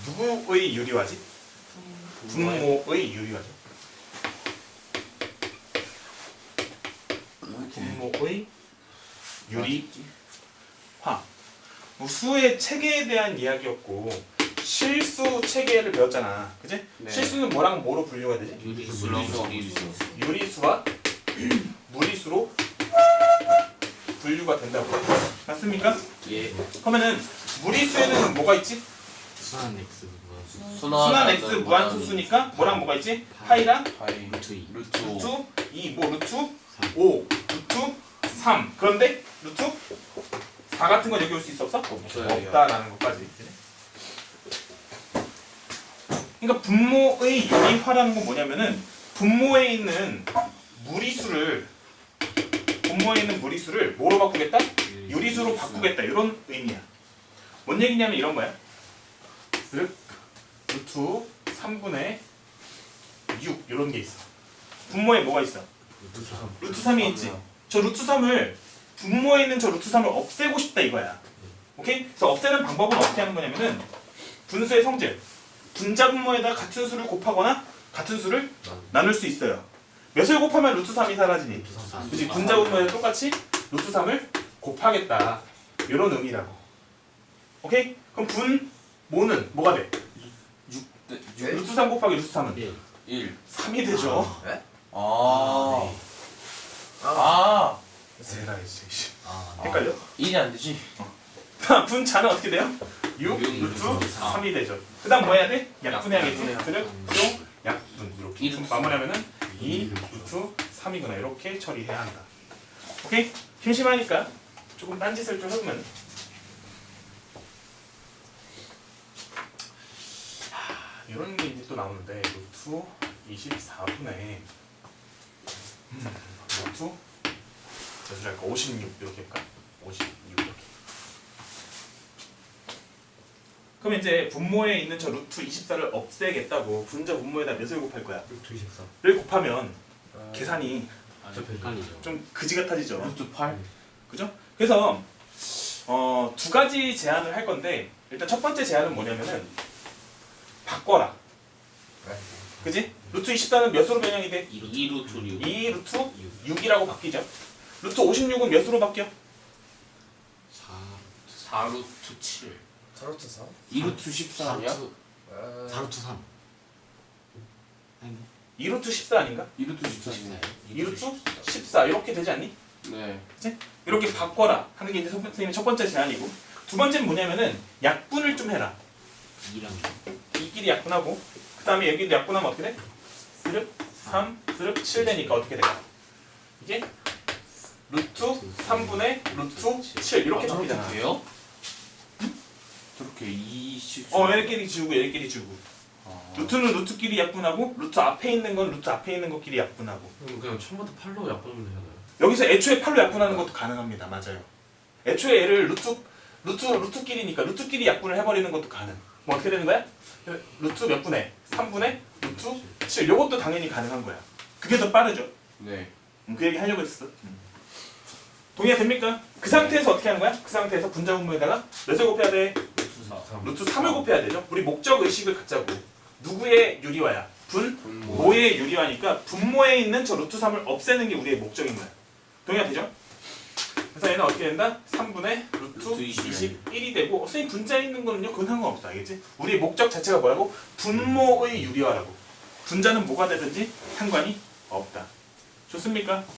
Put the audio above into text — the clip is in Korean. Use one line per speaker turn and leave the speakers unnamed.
누구의 유리화지? 분모의 유리화죠. 분모의 유리화. 수의 체계에 대한 이야기였고 실수 체계를 배웠잖아. 그치?
네.
실수는 뭐랑 뭐로 분류가 되지? 유리수와 무리수로 분류가 된다고. 맞습니까?
예.
그러면은 무리수에는 뭐가 있지?
순환 x
순환 x 무한소수니까 뭐랑 뭐가 있지? 파이랑
파이
루트 2
루트
루트 2, 뭐 루트 5, 루트 3. 그런데 루트 4 같은 건 여기 올 수 있어 없어?
없어요.
없다라는 것까지. 그러니까 분모의 유리화라는 건 뭐냐면은 분모에 있는 무리수를 뭐로 바꾸겠다? 유리수로 바꾸겠다. 이런 의미야. 뭔 얘기냐면 이런 거야. 쓱 루트 3분의 6 이런 게 있어. 분모에 뭐가 있어? 루트 3이 있지. 저 루트 3을 분모에 있는 저 루트 3을 없애고 싶다 이거야. 오케이? 그래서 없애는 방법은 어떻게 하는 거냐면은 분수의 성질 분자 분모에다 같은 수를 곱하거나 같은 수를 나눌 수 있어요. 몇을 곱하면 루트 3이 사라지니? 그치? 분자 분모에 똑같이 루트 3을 곱하겠다. 이런 의미라고. 오케이? 그럼 분모는 뭐가 돼? 루트 3 곱하기 루트 3은
1
3이 되죠.
네?
아
세라이 씨.
아
헷갈려?
1이 안 되지.
분자는 어떻게 돼요? 6 루트 3이 되죠. 그 다음 뭐 해야 돼? 약분해야겠지. 그래? 용 약분 이렇게
이 루트
마무리하면은 2 루트 3이구나. 이렇게 처리해야 한다. 오케이? 심심하니까 조금 딴짓을 좀 해보면 이런 게 이제 또 나오는데 루트 24분의 루트 몇 줄 할까? 56 이렇게 할까? 56 이렇게. 그럼 이제 분모에 있는 저 루트 24를 없애겠다고 분자 분모에다 몇을 곱할 거야?
루트 24
를 곱하면 계산이
좀 헷갈리죠.
좀 그지 같아지죠.
루트 8
그죠? 그래서 두 가지 제안을 할 건데 일단 첫 번째 제안은 뭐냐면은 바꿔라. 그지? 루트 24는 몇으로 변형이 돼?
2 루트 6
2 루트 6이라고 바뀌죠. 루트 56은 몇으로 바뀌어?
4 루트 7
자루트 4?
2 루트 14 아니야?
4 루트 3 아니
2 루트 14 아닌가?
2 루트 14
2 루트 14 이렇게 되지 않니?
네.
그치? 이렇게 바꿔라 하는 게 이제 선생님의 첫 번째 제안이고 두 번째는 뭐냐면은 약분을 좀 해라.
2랑
이끼리 약분하고 그 다음에 여기도 약분하면 어떻게 돼? 스륵 3, 스륵 7 되니까 어떻게 될까? 이게 루트 3분의 루트 7 이렇게 바뀌잖아.
돼요? 저렇게 20
얘네끼리 지우고 얘네끼리 지우고 루트는 루트끼리 약분하고 루트 앞에 있는 건 루트 앞에 있는 것끼리 약분하고
그냥 처음부터 8로 약분하면 되잖아요.
여기서 애초에 8로 약분하는 것도 가능합니다. 맞아요. 애초에 얘를 루트끼리니까 루트끼리 약분을 해버리는 것도 가능. 뭐 어떻게 되는 거야? 루트 몇 분의? 3분의 루트 7 요것도 당연히 가능한 거야. 그게 더 빠르죠.
네.
그 얘기 하려고 했어. 동의가 됩니까? 그 상태에서 어떻게 하는 거야? 그 상태에서 분자 분모에다가 몇을 곱해야 돼?
루트 4
루트 3을 곱해야 되죠. 우리 목적 의식을 갖자고. 누구의 유리화야?
분모
분모의 유리화니까 분모에 있는 저 루트 3을 없애는 게 우리의 목적인 거야. 동의가 되죠? 그래서 얘는 어떻게 된다? 3분의 루트
루트
21이 되고 선생님 분자에 있는 거는요 그건 상관없어. 알겠지? 우리의 목적 자체가 뭐라고? 분모의 유리화라고. 분자는 뭐가 되든지 상관이 없다. 좋습니까?